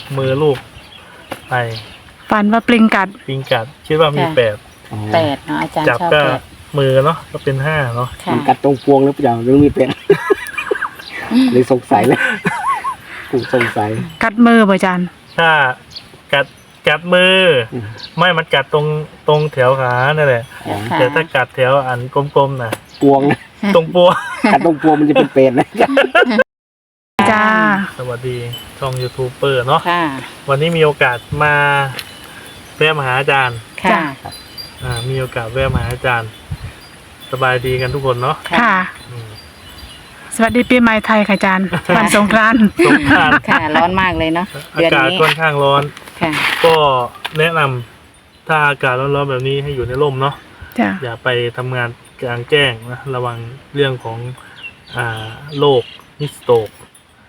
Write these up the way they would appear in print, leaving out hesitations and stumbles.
มือลูกไปฝันว่าปลิงกัดปิงกัดคิดว่ามี8 8เนาะอาจารย์จับชอบก็ 8 มือเนาะก็เป็น5เนาะค่ะมันกัดตรงพวงหรือเปล่าหรือมีเป็น เลยสงสัยเลยกูสงสัยกัดมือบ่อาจารย์ถ้ากัดมือไม่มันกัดตรงแถวขานั่นแหละอ๋อค่ะแต่ถ้ากัดแถวอันกลมๆน่ะพวงนะตรงปัวกัดตรงพวงมันจะเป็นเป็ดนะจ้าสวัสดีช่องยูทูบเบอร์เนาะค่ะวันนี้มีโอกาสมาแวะมาหาอาจารย์ค่ะมีโอกาสแวะมาหาอาจารย์ สบายดีกันทุกคนเนาะค่ะอืมสวัสดีปีใหม่ไทยค่ะอาจารย์วันสงกรานต์สงกรานต์ค่ะ ร้อนมากเลยเนาะอาเดือนกาศนี้ค่อนข้างร้อนค่ะก็แนะนำถ้าอากาศร้อนๆแบบนี้ให้อยู่ในร่มเนาะจ้าอย่าไปทำงานกลางแจ้งนะระวังเรื่องของโรคฮิสโตก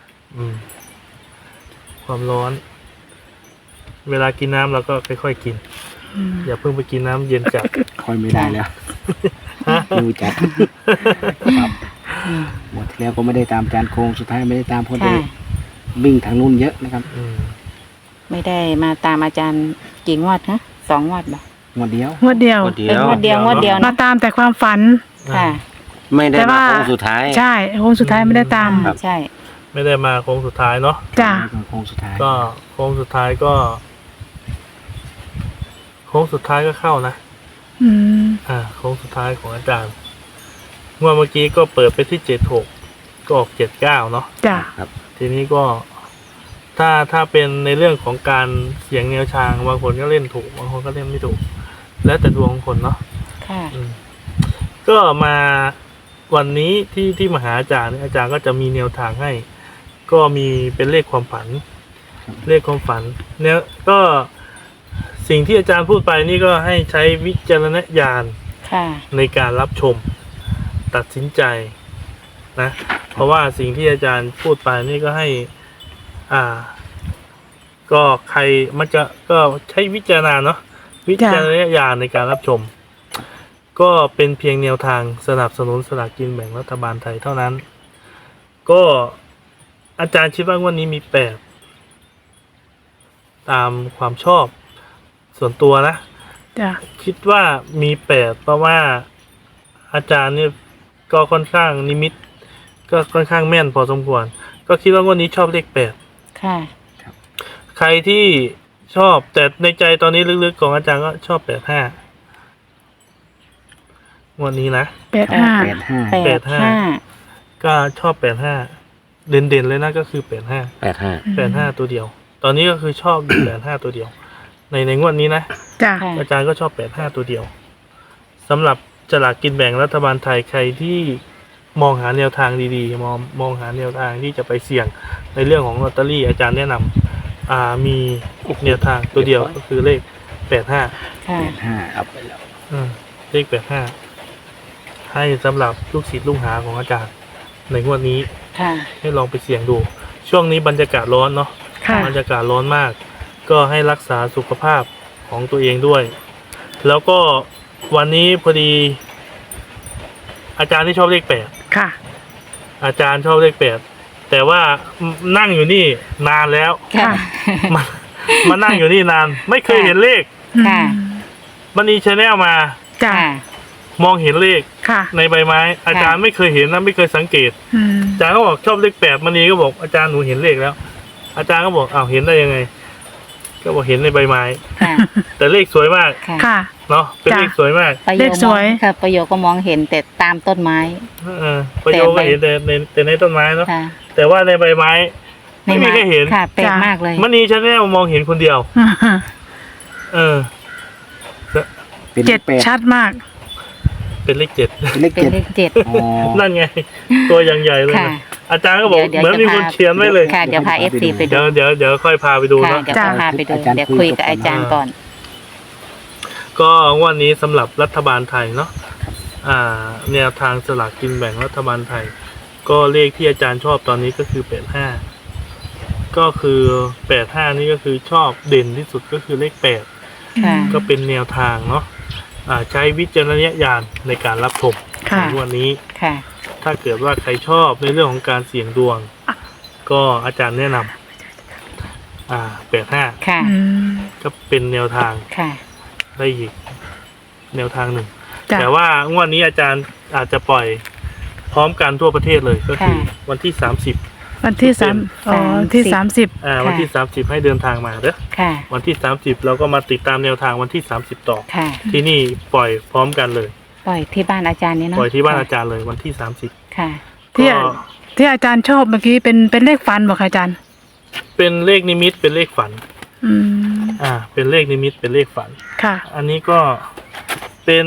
ความร้อน เวลากินน้ำเราก็ค่อยๆกิน อย่าเพิ่งไปกินน้ำเย็นจัดคอยไม่ได้แล้วฮะดูจัดครับหมดที่แล้วก็ไม่ได้ตามจานโครงสุดท้ายไม่ได้ตามพอดีค่ะวิ่งทางนู้นเยอะนะครับอืมไม่ได้มาตามอาจารย์กี่งวดฮะ2 งวดบ่หมดเดียวงวดเดียวเป็นงวดเดียวเนาะมาตามแต่ความฝันค่ะไม่ได้แต่มาว่าโค้งสุดท้ายใช่โค้งสุดท้ายไม่ได้ตามครับใช่ไม่ได้มาโค้งสุดท้ายเนาะจ้าโค้งสุดท้ายก็โค้งสุดท้ายก็เข้านะ โค้งสุดท้ายของอาจารย์งวดเมื่อกี้ก็เปิดไปที่76ก็ออก79เนาะจ้าทีนี้ก็ถ้าเป็นในเรื่องของการเสียงแนวทางบางคนก็เล่นถูกบางคนก็เล่นไม่ถูก แล้วแต่ดวงของคนเนาะค่ะก็มาวันนี้ที่มหาอาจารย์เนี่ยอาจารย์ก็จะมีแนวทางให้ ก็มีเป็นเลขความฝัน เลขความฝันเนี่ยก็สิ่งที่อาจารย์พูดไปนี่ก็ให้ใช้วิจารณญาณค่ะในการรับชมตัดสินใจนะ เพราะว่าสิ่งที่อาจารย์พูดไปนี่ก็ให้ก็ใครมันจะก็ใช้วิจารณาเนาะวิจารณญาณในการรับชม ก็เป็นเพียงแนวทางสนับสนุนสลากกินแบ่งรัฐบาลไทยเท่านั้น ก็อาจารย์คิดว่างวันนี้มี8ตามความชอบส่วนตัวนะจ้าคิดว่ามี8เพราะว่าอาจารย์เนี่ยก็ค่อนข้างนิมิต ก็ค่อนข้างแม่นพอสมควร ก็คิดว่างวันนี้ชอบเลข8 ค่ะใครที่ชอบแต่ในใจตอนนี้ลึกๆของอาจารย์ก็ชอบ85วันนี้นะ 85 85 ก็ชอบ85เด่นๆเลยนะก็คือ85 85ตัวเดียว ตอนนี้ก็คือชอบอยู่85ตัวเดียว ในงวดนี้นะจ้าค่ะอาจารย์ก็ชอบ85ตัวเดียวสำหรับสลากกินแบ่งรัฐบาลไทยใครที่มองหาแนวทางดีๆมองหาแนวทางที่จะไปเสี่ยงในเรื่องของลอตเตอรี่อาจารย์แนะนำมีแนวทางตัวเดียวก็คือเลข85 ค่ะ 85เอาไปแล้วเลข85ให้สำหรับลูกศิษย์ลูกหาของอาจารย์ในงวดนี้ค่ะให้ลองไปเสี่ยงดู ช่วงนี้บรรยากาศร้อนเนาะค่ะบรรยากาศร้อนมาก ก็ให้รักษาสุขภาพของตัวเองด้วย แล้วก็วันนี้พอดี อาจารย์ที่ชอบเลข8 ค่ะอาจารย์ชอบเลข8แต่ว่านั่งอยู่นี่นานแล้วค่ะมานั่งอยู่นี่นาน ไม่เคยเห็นเลขค่ะมันนีชาแนลมาจ้าค่ะมองเห็นเลขค่ะในใบไม้ อาจารย์ไม่เคยเห็นนะไม่เคยสังเกต อาจารย์ก็บอกชอบเลข8มันนีก็บอกอาจารย์หนูเห็นเลขแล้ว อาจารย์ก็บอกอ้าวเห็นได้ยังไง ก็บอกเห็นในใบไม้ค่ะแต่เลขสวยมากค่ะค่ะเนาะเป็นจ้ะเลขสวยมากประโยเลคขสวยค่ะ ประโยคก็มองเห็นแต่ตามต้นไม้ประโยชน์ก็เห็นแต่ในต้นไม้เนาะค่ะแต่ว่าในใบไม้ไม่มีใครเห็นค่ะแปลกจ้ะมากเลยมันนีชาแนลมองเห็นคนเดียว เออเป็นเจ็ดเป็ดชัดมากเป็นเลข7 เป็นเลขเป็นเจ็ดเลข 7 อ๋อนั่นไง ตัวอย่างใหญ่เลยค่ะนะอาจารย์ก็บอกเดี๋ยวเหมือนมีคนเขียนไว้เลยค่ะ เดี๋ยวพา FC ไปดูเดี๋ยวค่อยพาไปดูค่ะเนาะเดี๋ยวพาไปดู เดี๋ยวคุยกับอาจารย์ก่อนก็วันนี้สำหรับรัฐบาลไทยเนาะแนวทางสลากกินแบ่งรัฐบาลไทย ก็เลขที่อาจารย์ชอบตอนนี้ก็คือ85ก็คือ85นี่ก็คือชอบเด่นที่สุดก็คือเลข8 ค่ะก็เป็นแนวทางเนาะใช้วิจารณญาณในการรับชมค่ะในวันนี้ค่ะถ้าเกิดว่าใครชอบในเรื่องของการเสี่ยงดวง ก็อาจารย์แนะน 85 ค่ะอืมก็เป็นแนวทางค่ะได้อีกแนวทางหนึ่งจ้ะแต่ว่างวดนี้อาจารย์อาจจะปล่อยพร้อมกันทั่วประเทศเลยก็คือวันที่30 วันที่3อ๋อที่30 วันที่30ให้เดินทางมาเด้อค่ะวันที่30เราก็มาติดตามแนวทางวันที่30ต่อค่ะที่นี่ปล่อยพร้อมกันเลยปล่อยที่บ้านอาจารย์นี่เนาะปล่อยที่บ้านอาจารย์เลยวันที่30 ค่ะที่ก็ที่อาจารย์ชอบเมื่อกี้เป็นเลขฟันบอกค่ะอาจารย์เป็นเลขนิมิตเป็นเลขฝันอืมเป็นเลขนิมิตเป็นเลขฝันค่ะอันนี้ก็เป็น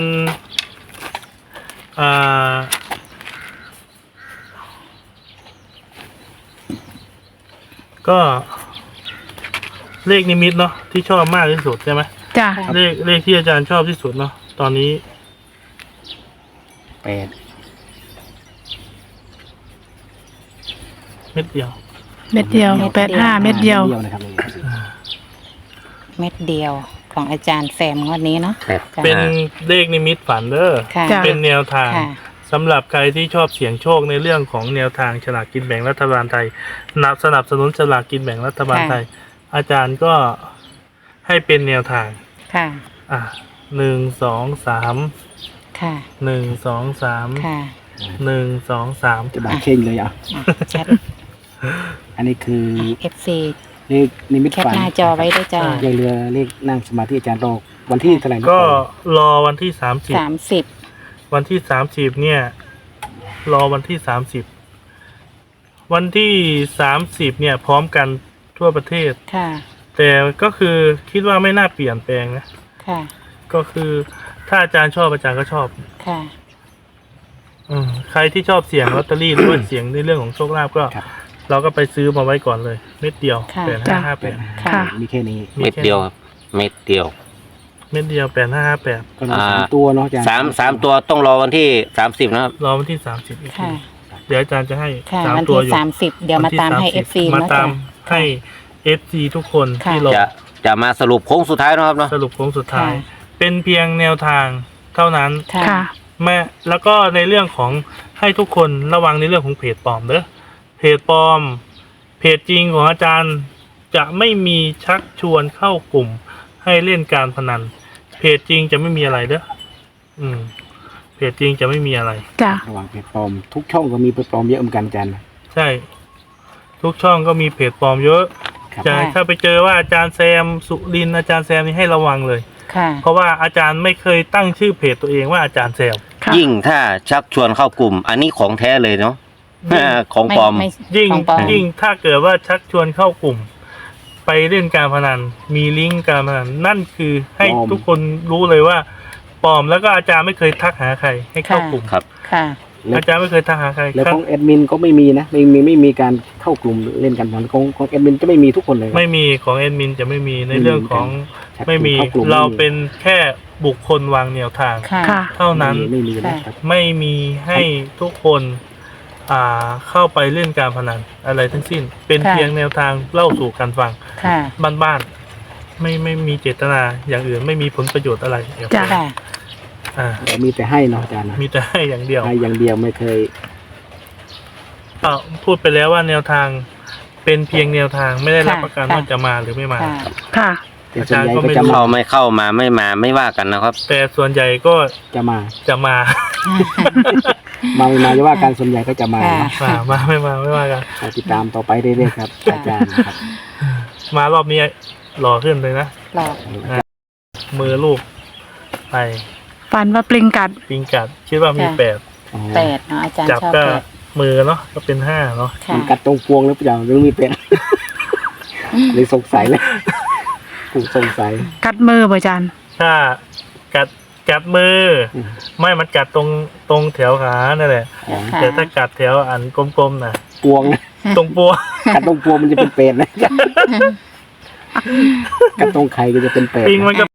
ก็เลขนิมิตเนาะที่ชอบมากที่สุดใช่ไหมจ้ะเลขที่อาจารย์ชอบที่สุดเนาะตอนนี้ 8 เม็ดเดียวเม็ดเดียว85เม็ดเดียวนะครับเม็ดเดียวของอาจารย์แซมงวดนี้เนาะเป็นเลขนิมิตฝันเด้อค่ะจ้ะเป็นแนวทางค่ะสำหรับใครที่ชอบเสี่ยงโชคในเรื่องของแนวทางฉลากกินแบ่งรัฐบาลไทยสนับสนุนฉลากกินแบ่งรัฐบาลไทย อาจารย์ก็ให้เป็นแนวทางค่ะ 1 2 3 ค่ะ 1 2 3 ค่ะ 1 2 3 จะบาดเข่งเลยอ่ะชัดอันนี้คือ FC เลขนิมิตแคปฝันหน้าจอไว้ด้วยจ้าเลขเรือเลขนั่งสมาธิอาจารย์รอวันที่เท่าไหร่นะก็รอวันที่30 30 วันที่30เนี่ย รอวันที่30วันที่30เนี่ย พร้อมกันทั่วประเทศค่ะแต่ก็คือคิดว่าไม่น่าเปลี่ยนแปลงนะค่ะก็คือถ้าอาจารย์ชอบอาจารย์ก็ชอบค่ะใครที่ชอบเสี่ยงลอตเตอรี่หรือว่าเสี่ยงในเรื่องของโชคลาภก็ครับเราก็ไปซื้อมาไว้ก่อนเลยเม็ดเดียวค่ะ 8558 ค่ะมีแค่นี้เม็ดเดียวครับเม็ดเดียวเม็ดเดียว8558 ก็มี3 ตัวเนาะอาจารย์สามตัวต้องรอวันที่30นะครับรอวันที่30อีกทีค่ะเดี๋ยวอาจารย์จะให้ค่ะสามวันตัวที่อยู่ 30 เดี๋ยวมาตามให้วันที่ FC มาเนาะตาจ้ะมให้ FC ทุกคนค่ะที่รอจะมาสรุปโค้งสุดท้ายนะครับเนาะสรุปโค้งสุดท้ายค่ะเป็นเพียงแนวทางเท่านั้นค่ะค่ะแล้วก็ในเรื่องของให้ทุกคนระวังในเรื่องของเพจปลอมเด้อเพจปลอม เพจจริงของอาจารย์จะไม่มีชักชวนเข้ากลุ่ม ให้เล่นการพนัน เพจจริงจะไม่มีอะไรเด้อเพจจริงจะไม่มีอะไรจ้ะระหว่างเพจปลอมทุกช่องก็มีเพจปลอมเยอะเหมือนกันอาจารย์ใช่ ทุกช่องก็มีเพจปลอมเยอะครับจะถ้าไปเจอว่าอาจารย์แซมสุรินทร์อาจารย์แซมนี่ให้ระวังเลยค่ะเพราะว่าอาจารย์ไม่เคยตั้งชื่อเพจตัวเองว่าอาจารย์แซมค่ะยิ่งถ้าชักชวนเข้ากลุ่ม อันนี้ของแท้เลยเนาะของปลอมยิ่งของปลอมยิ่งถ้าเกิดว่าชักชวนเข้ากลุ่ม ไปเล่นการพนัน มีลิงก์การพนันนั่นคือให้ทุกคนรู้เลยว่าปลอมแล้วก็อาจารย์ไม่เคยทักหาใคร ให้เข้ากลุ่มครับค่ะแล้วอาจารย์ไม่เคยทักหาใครแล้วของแอดมินก็ไม่มีนะไม่มีการเข้ากลุ่มเล่นกันของแอดมินจะไม่มีทุกคนเลยไม่มีของแอดมินจะไม่มีในเรื่องของชักไม่มีเข้ากลุ่มเราเป็นแค่บุคคลวางแนวทางค่ะค่ะเท่านั้นไม่มีนะครับไม่มีให้ทุกคนเข้าไปเล่นการพนันอะไรทั้งสิ้น เป็นค่ะเพียงแนวทางเล่าสู่กันฟังค่ะบ้านๆไม่มีเจตนาอย่างอื่นไม่มีผลประโยชน์อะไรเดี๋ยวจ้ะค่ะมีแต่ให้เนาะอาจารย์นะมีแต่ให้อย่างเดียวให้อย่างเดียวไม่เคยก็พูดไปแล้วว่าแนวทางเป็นเพียงแนวทางไม่ได้รับค่ะประกันค่ะว่าจะมาหรือไม่มาค่ะค่ะแต่ส่วนใหญ่อาจารย์ก็ก็ไม่จะรู้มาเข้าไม่เข้ามาไม่มาไม่ว่ากันนะครับแต่ส่วนใหญ่ก็จะมาจะมามาไม่มาจะว่าการส่วนใหญ่ก็จะมาค่ะมาไม่ว่ากันเราติดตามต่อไปเรื่อยๆครับอาจารย์ครับมารอบนี้หล่อขึ้นเลยนะหลอกมือลูกไปฟันว่าปลิงกัดปิงกัด คิดว่ามี8 8เนาะอาจารย์จับชอบก็ 8 มือเนาะก็เป็น5เนาะค่ะมันกัดตรงพวงหรือเปล่าหรือมีเป็นเลยสงสัยเลยกูสงสัยกัดมือบ่อาจารย์ถ้ากัดมือ ไม่มันกัดตรงแถวขานั่นแหละอ๋อค่ะแต่ถ้ากัดแถวอันกลมๆน่ะพวงนะตรงปัวกัดตรงพวงมันจะเป็นเป็ดนะกัดตรงไข่ก็จะเป็นเป็ดปิงมันก็